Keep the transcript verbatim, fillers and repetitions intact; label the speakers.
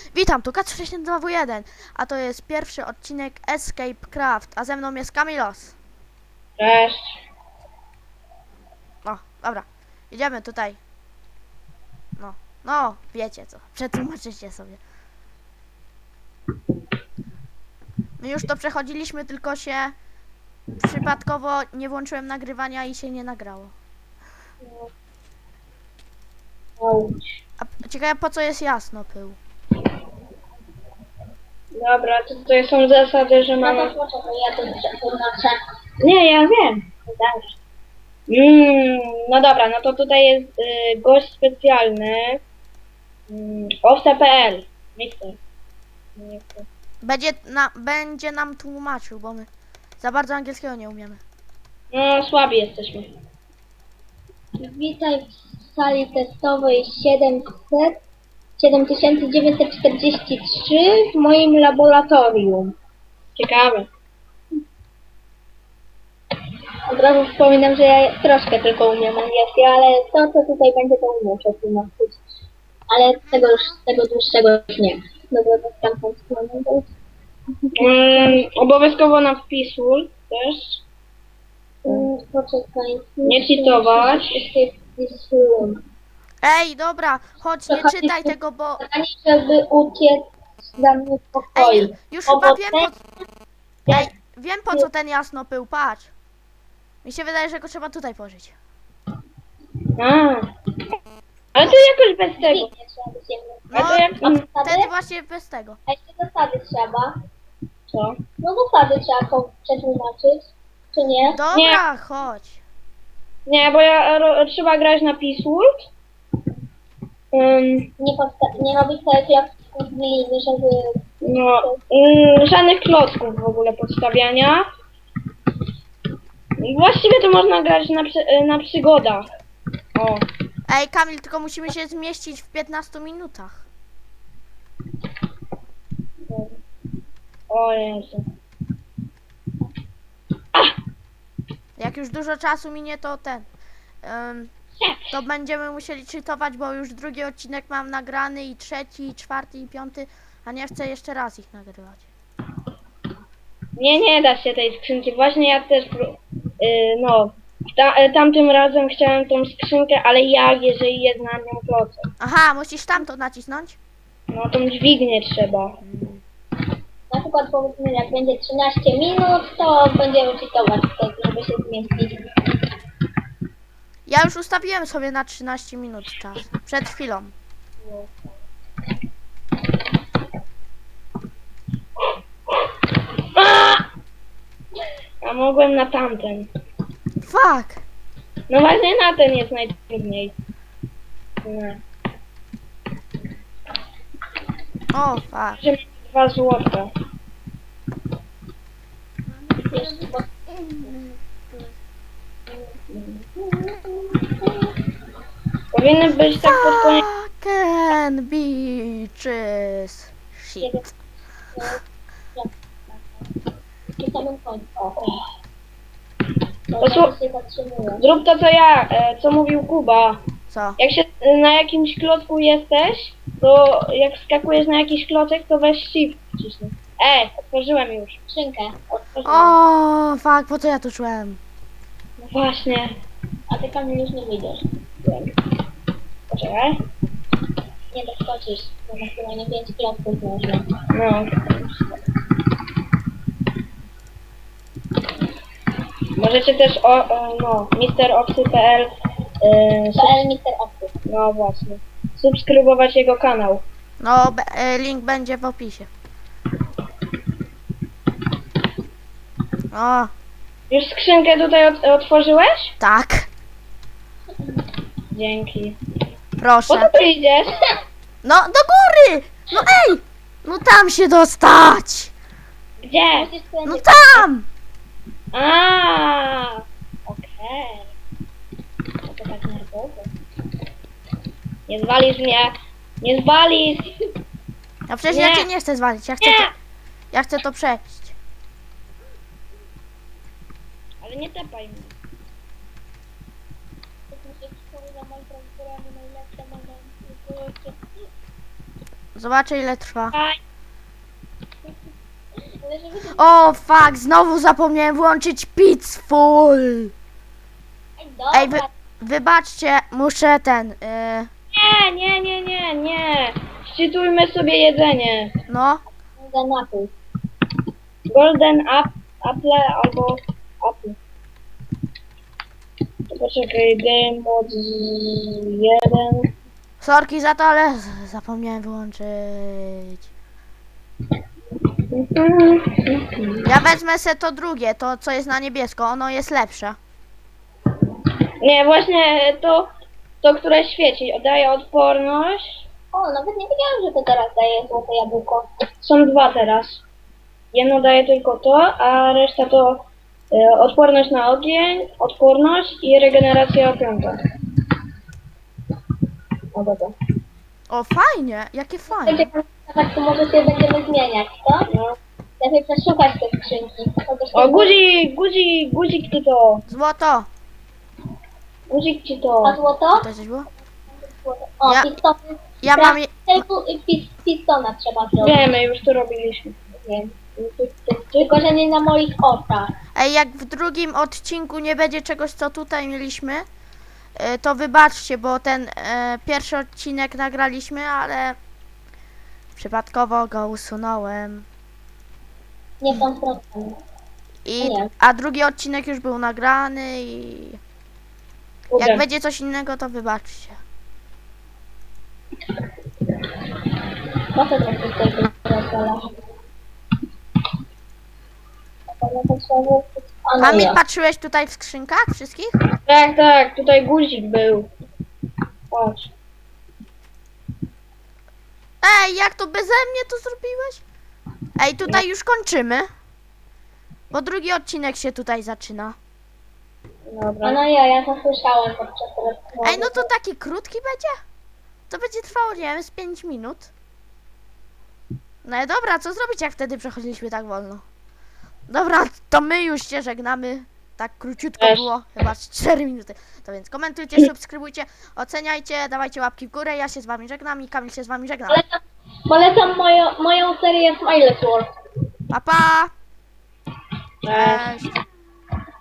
Speaker 1: Witam, tu K trzy dwa W jeden, a to jest pierwszy odcinek Escape Craft, a ze mną jest Kamilos.
Speaker 2: Cześć.
Speaker 1: O, dobra, idziemy tutaj. No, no, wiecie co, przetłumaczycie sobie. My już to przechodziliśmy, tylko się przypadkowo nie włączyłem nagrywania i się nie nagrało.
Speaker 2: Auć.
Speaker 1: A ciekawe, po co jest jasno pył?
Speaker 2: Dobra, to tutaj są zasady, że
Speaker 3: No
Speaker 2: mamy...
Speaker 3: to poczekaj, ja to przetłumaczę.
Speaker 2: Nie, ja wiem. Dajesz. Mm, no dobra, no to tutaj jest y, gość specjalny. Mm, owce kropka p l. Mister. Nie chcę.
Speaker 1: Będzie, na, będzie nam tłumaczył, bo my za bardzo angielskiego nie umiemy.
Speaker 2: No, słabi jesteśmy.
Speaker 3: Witaj w sali testowej siedemset, siedem tysięcy dziewięćset czterdzieści trzy w moim laboratorium.
Speaker 2: Ciekawe.
Speaker 3: Od razu wspominam, że ja troszkę tylko umiem angielski, ale to, co tutaj będzie, to umiem przetłumaczyć. Ale tego już, tego dłuższego już nie. Dobra, to tam tą stronę.
Speaker 2: Mm, obowiązkowo na wpisul też.
Speaker 3: Mm, Poczekaj.
Speaker 2: Nie cheatować.
Speaker 3: Escape this room.
Speaker 1: Ej, dobra, chodź, nie czytaj tego, bo...
Speaker 3: Ani żeby uciec za mnie w pokoju.
Speaker 1: Ej, już chyba wiem po... Ej, wiem po co ten jasno pył, patrz. Mi się wydaje, że go trzeba tutaj położyć.
Speaker 2: A. Ale to jakoś bez tego.
Speaker 3: Nie trzeba być jednym.
Speaker 1: No,
Speaker 2: A to jak... mm,
Speaker 1: wtedy właśnie bez tego.
Speaker 3: A jeszcze zasady trzeba.
Speaker 2: Co?
Speaker 3: No zasady trzeba to przetłumaczyć, czy nie?
Speaker 1: Dobra, chodź.
Speaker 2: Nie, bo ja ro, trzeba grać na Peacewood. Um,
Speaker 3: Nie, podsta- nie robić tak jak w gliny, żeby...
Speaker 2: no, um, żadnych klocków w ogóle podstawiania. I właściwie to można grać na, przy, na przygodach. O.
Speaker 1: Ej, Kamil, tylko musimy się zmieścić w piętnastu minutach.
Speaker 2: O Jezu.
Speaker 1: Jak już dużo czasu minie, to ten... Um, to będziemy musieli czytować, bo już drugi odcinek mam nagrany i trzeci, i czwarty, i piąty, a nie chcę jeszcze raz ich nagrywać.
Speaker 2: Nie, nie da się tej skrzynki. Właśnie ja też, pró- yy, no, ta, y, tamtym razem chciałem tą skrzynkę, ale jak, jeżeli jest na nią klocek?
Speaker 1: Aha, musisz tamto nacisnąć?
Speaker 2: No, tą dźwignię trzeba.
Speaker 3: Na przykład powiedzmy, jak będzie trzynaście minut, to będziemy czytować wtedy, żeby się zmieścić.
Speaker 1: Ja już ustawiłem sobie na trzynaście minut czas. Przed chwilą.
Speaker 2: A mogłem na tamten.
Speaker 1: Fuck!
Speaker 2: No właśnie na ten jest najtrudniej. Nie.
Speaker 1: O, fuck.
Speaker 2: Że mam dwa złota.
Speaker 3: Jeszcze, bo
Speaker 2: Powinny być tak pod koniec.
Speaker 1: Fucking beaches. Shit.
Speaker 3: przy samym końcu. O.
Speaker 2: To
Speaker 3: To
Speaker 2: słu-
Speaker 3: się zatrzymuje.
Speaker 2: Zrób to co ja, e, co mówił Kuba.
Speaker 1: Co?
Speaker 2: Jak się e, na jakimś klocku jesteś, to jak skakujesz na jakiś klocek, to weź shift wciśnij. E, otworzyłem już.
Speaker 3: Skrzynkę otworzyłem.
Speaker 1: O, fuck, po co ja tu czułem?
Speaker 2: No właśnie.
Speaker 3: A ty Kamil już nie wyjdziesz.
Speaker 2: Poczekaj.
Speaker 3: Nie doskoczysz. Bo maksymalnie pięć klocków można.
Speaker 2: No. Możecie też o, o no, mister oksy kropka p l e,
Speaker 3: P L mister Opty.
Speaker 2: no właśnie. Subskrybować jego kanał.
Speaker 1: No, be- e, link będzie w opisie. O,
Speaker 2: Już skrzynkę tutaj ot otworzyłeś?
Speaker 1: tak.
Speaker 2: Dzięki. Po
Speaker 1: Proszę.
Speaker 2: co ty idziesz?
Speaker 1: No, do góry! No ej! No tam się dostać!
Speaker 2: Gdzie?
Speaker 3: Musisz
Speaker 1: No
Speaker 3: skręcić.
Speaker 1: tam!
Speaker 2: A, okej. No to tak nerwowo. Nie zwalisz mnie. Nie zwalisz.
Speaker 1: No przecież
Speaker 2: Nie.
Speaker 1: ja cię nie chcę zwalić, ja chcę to,
Speaker 2: Nie.
Speaker 1: ja chcę to przejść.
Speaker 2: Ale nie tepaj mnie.
Speaker 1: Zobaczę ile trwa.
Speaker 2: Aj,
Speaker 3: Ale żeby to...
Speaker 1: O fuck, znowu zapomniałem włączyć Peaceful.
Speaker 3: Ej, dobra,
Speaker 1: Ej, wy, wybaczcie, muszę ten, y,
Speaker 2: nie, nie, nie, nie, nie. Szczytujmy sobie jedzenie.
Speaker 1: no.
Speaker 3: za napój.
Speaker 2: Golden up, apple albo apple. To poczekaj, game mode jeden.
Speaker 1: Sorki za to, ale z- zapomniałem wyłączyć. Ja wezmę se to drugie, to co jest na niebiesko, ono jest lepsze.
Speaker 2: Nie, właśnie to, to które świeci, daje odporność.
Speaker 3: O, nawet nie wiedziałam, że to teraz daje złote jabłko.
Speaker 2: Są dwa teraz. Jedno daje tylko to, a reszta to e, odporność na ogień, odporność i regeneracja piąta. O, dobra.
Speaker 1: O, fajnie, jakie fajnie.
Speaker 3: Będzie tak, to może się będziemy zmieniać, co?
Speaker 2: No.
Speaker 3: Lepiej przeszukać te skrzynki. Chociaż
Speaker 2: O,
Speaker 3: to-
Speaker 2: guzik, guzik, guzik ci to.
Speaker 1: Złoto.
Speaker 2: Guzik ci
Speaker 3: A
Speaker 2: to.
Speaker 3: złoto?
Speaker 1: To coś było?
Speaker 3: Złoto. O,
Speaker 1: Ja-
Speaker 3: pistony.
Speaker 1: Ja mam, je-
Speaker 3: Tylko pis, pistona trzeba zrobić.
Speaker 2: Wiemy, już to robiliśmy.
Speaker 3: Wiem. Tylko, że nie na moich oczach.
Speaker 1: ej, jak w drugim odcinku nie będzie czegoś, co tutaj mieliśmy, y, to wybaczcie, bo ten e, pierwszy odcinek nagraliśmy, ale przypadkowo go usunąłem.
Speaker 3: Nie w tą stronę.
Speaker 1: I,
Speaker 3: Nie.
Speaker 1: a drugi odcinek już był nagrany i
Speaker 2: Kurde.
Speaker 1: jak będzie coś innego, to wybaczcie.
Speaker 3: Po co tak tutaj rozwalasz? A no
Speaker 1: Kamil,
Speaker 3: ja.
Speaker 1: patrzyłeś tutaj w skrzynkach wszystkich?
Speaker 2: Tak, tak, tutaj guzik był. Patrz.
Speaker 1: Ej, jak to beze mnie to zrobiłeś? Ej, tutaj już kończymy. Bo drugi odcinek się tutaj zaczyna.
Speaker 3: A
Speaker 2: Dobra.
Speaker 3: no ja, ja to słyszałem podczas rozmowy.
Speaker 1: Ej, no to taki krótki będzie? To będzie trwało, nie wiem, z pięć minut. No i dobra, co zrobić, jak wtedy przechodziliśmy tak wolno? Dobra, to my już się żegnamy. Tak króciutko
Speaker 2: Też.
Speaker 1: było, chyba z cztery minuty. To więc komentujcie, subskrybujcie, oceniajcie, dawajcie łapki w górę. Ja się z wami żegnam i Kamil się z wami żegna.
Speaker 3: Polecam, polecam moją, moją serię Smiley World.
Speaker 1: Pa, pa!
Speaker 2: Cześć.
Speaker 1: Cześć!